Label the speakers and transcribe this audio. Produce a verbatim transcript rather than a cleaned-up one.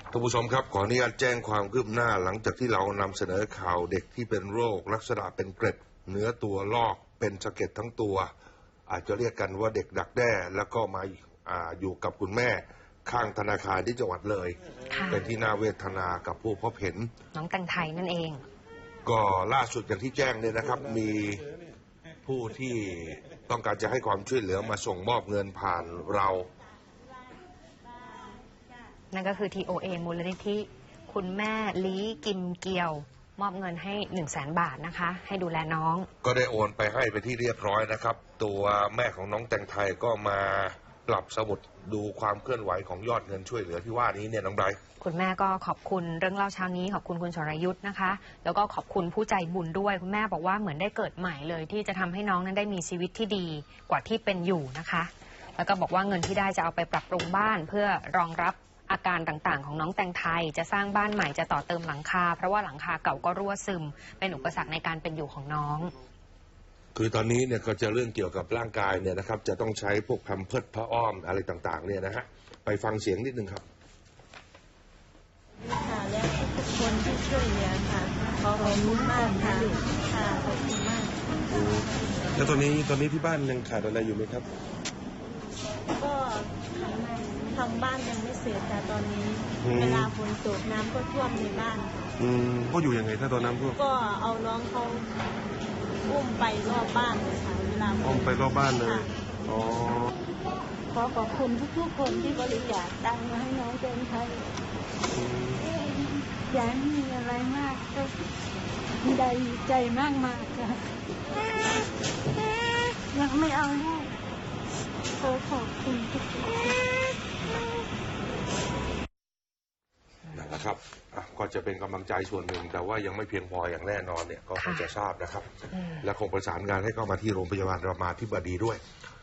Speaker 1: ท่านผู้ชมครับขออนุญาตแจ้งความคืบหน้าหลังจากที่เรานำเสนอข่าวเด็กที่เป็นโรคลักษณะเป็นเกร็ดเนื้อตัวลอกเป็นสะเก็ดทั้งตัวอาจจะเรียกกันว่าเด็กดักแด้แล้วก็มาออยู่กับคุณแม่ข้างธนาคารที่จังหวัดเลยเป็นที่น่าเวทนากับผู้พบเห็น
Speaker 2: น้องแตงไทยนั่นเอง
Speaker 1: ก็ล่าสุดอย่างที่แจ้งเนี่ยนะครับมีผู้ที่ต้องการจะให้ความช่วยเหลือมาส่งมอบเงินผ่านเรา
Speaker 2: นั่นก็คือ ที โอ เอ มูลนิธิคุณแม่ลีกิมเกียวมอบเงินให้หนึ่งแสนบาทนะคะให้ดูแลน้อง
Speaker 1: ก็ได้โอนไปให้ไปที่เรียบร้อยนะครับตัวแม่ของน้องแตงไทยก็มาปรับสมุดดูความเคลื่อนไหวของยอดเงินช่วยเหลือที่ว่านี้เนี่ยน้องไบรท์
Speaker 2: คุณแม่ก็ขอบคุณเรื่องเล่าเช้านี้ขอบคุณคุณสรยุทธ์นะคะแล้วก็ขอบคุณผู้ใจบุญด้วยคุณแม่บอกว่าเหมือนได้เกิดใหม่เลยที่จะทำให้น้องนั้นได้มีชีวิตที่ดีกว่าที่เป็นอยู่นะคะแล้วก็บอกว่าเงินที่ได้จะเอาไปปรับปรุงบ้านเพื่อรองรับอาการต่างๆของน้องแตงไทยจะสร้างบ้านใหม่จะต่อเติมหลังคาเพราะว่าหลังคาเก่าก็รั่วซึมเป็นอุปสรรคในการเป็นอยู่ของน้อง
Speaker 1: คือตอนนี้เนี่ยก็จะเรื่องเกี่ยวกับร่างกายเนี่ยนะครับจะต้องใช้พวกแพมเพิร์สผ้าอ้อมอะไรต่างๆเนี่ยนะฮะไปฟังเสียงนิดนึงครับ
Speaker 3: ค่ะและทุกคนที่ช่วยเหลือค่ะขอขอบคุณมากค่ะค่ะขอบคุณมาก
Speaker 1: แล้วตอนนี้ตอนนี้ที่บ้านยังขาดอะไรอยู่ไหมครับ
Speaker 3: ก็ทำบ้านยังไม่เสร็จแต่ตอนนี้เวลาฝนตกน้ำก็ท่วมในบ้าน
Speaker 1: อืมก็อยู่ยังไงถ้าตอนน้ำท่วม
Speaker 3: ก็เอาน้องเขาอุ้มไปรอบบ้านเลยค่ะเวลา
Speaker 1: อุ้มไปรอบบ้านเลยอ๋อ
Speaker 3: ขอขอบคุณทุกๆคนที่บริจาคตังค์มาให้น้องแตงไทยอยากมีอะไรมากก็ได้ใจมากมากค่ะยังไม่เอาลูกขอขอบคุณทุกคน
Speaker 1: นั่นแหละครับก็จะเป็นกำลังใจส่วนหนึ่งแต่ว่ายังไม่เพียงพออย่างแน่นอนเนี่ยก็คงจะทราบนะครับและคงประสานงานให้เข้ามาที่โรงพยาบาลรามาธิบดีด้วย